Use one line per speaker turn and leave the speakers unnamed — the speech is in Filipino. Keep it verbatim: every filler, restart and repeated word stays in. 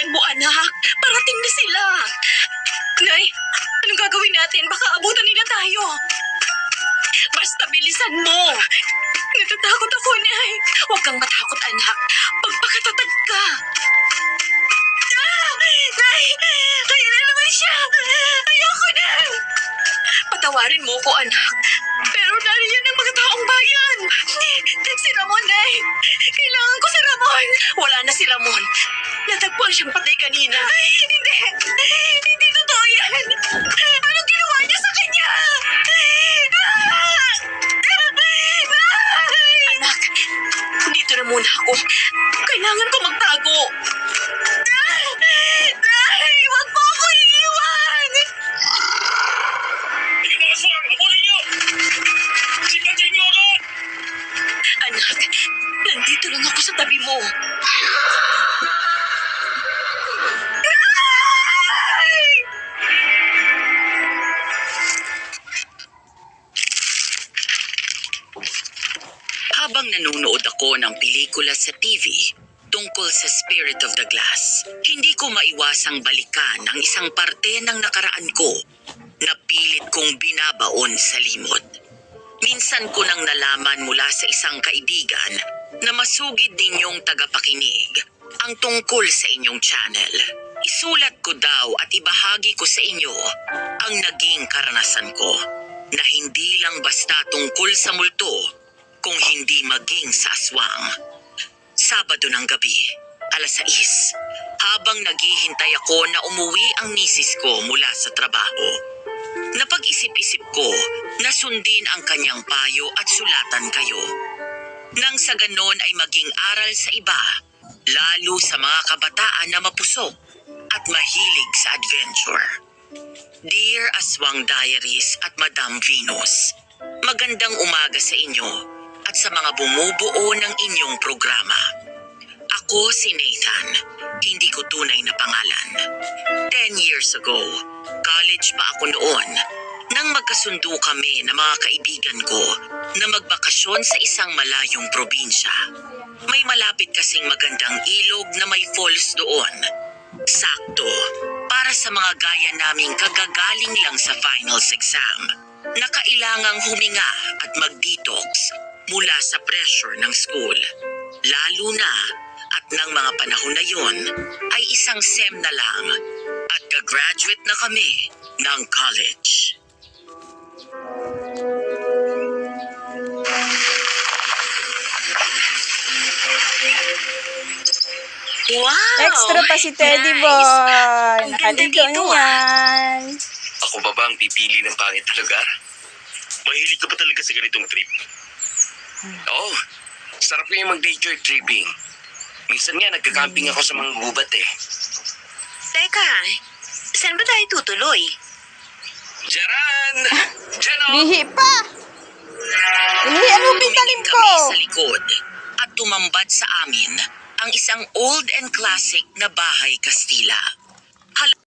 mo, anak. Parating na sila. Nay, anong gagawin natin? Baka abutan nila tayo. Basta bilisan mo. Natatakot ako, Nay. Huwag kang matakot, anak. Pagpakatatag ka. Ah! Nay! Kaya na naman siya. Ayoko na. Patawarin mo ko, anak. Pero nariyan ang mga taong bayan. Si Ramon, Nay. Kailangan ko si Ramon. Wala na si Ramon. Natagpuan siyang patay kanina. Ay, hindi. Hindi totoo yan. Anong ginawa niya sa kanya? Anak, dito na muna ako. Kailangan ko magtago. Nay, huwag mo ako iiwan.
Hindi mga aswang! Habulin niyo! Sipatin niyo agad!
Anak, nandito lang ako sa tabi mo.
Habang nanonood ako ng pelikula sa T V tungkol sa Spirit of the Glass, hindi ko maiwasang balikan ang isang parte ng nakaraan ko na pilit kong binabaon sa limot. Minsan ko nang nalaman mula sa isang kaibigan na masugid ninyong tagapakinig ang tungkol sa inyong channel. Isulat ko daw at ibahagi ko sa inyo ang naging karanasan ko na hindi lang basta tungkol sa multo, kung hindi maging sa aswang. Sabado ng gabi, alas sais, habang naghihintay ako na umuwi ang misis ko mula sa trabaho. Napag-isip-isip ko na sundin ang kanyang payo at sulatan kayo. Nang sa ganon ay maging aral sa iba, lalo sa mga kabataan na mapusok at mahilig sa adventure. Dear Aswang Diaries at Madam Venus, magandang umaga sa inyo at sa mga bumubuo ng inyong programa. Ako si Nathan, hindi ko tunay na pangalan. Ten years ago, college pa ako noon, nang magkasundo kami ng mga kaibigan ko na magbakasyon sa isang malayong probinsya. May malapit kasing magandang ilog na may falls doon. Sakto, para sa mga gaya naming kagagaling lang sa finals exam, na kailangang huminga at mag-detox mula sa pressure ng school. Lalo na at ng mga panahon na yon ay isang sem na lang at gagraduate na kami ng college.
Wow!
Extra pa si Teddy
Nice.
Boy.
Ang ganda
Nakaligo
dito,
na yan.
Ako ba ba ang pipili ng pangit na lugar? Mahilig ka pa talaga sa ganitong trip? Oo. Sarap ko yung mag-nature tripping. Minsan nga nagka-camping ako sa mga gubat eh.
Teka, saan ba tayo tutuloy?
Jaran! Diyan o!
Lihi pa. Lihi, ano
Tumingin
bitalim ko?
kami sa likod at tumambad sa amin ang isang old and classic na bahay Kastila.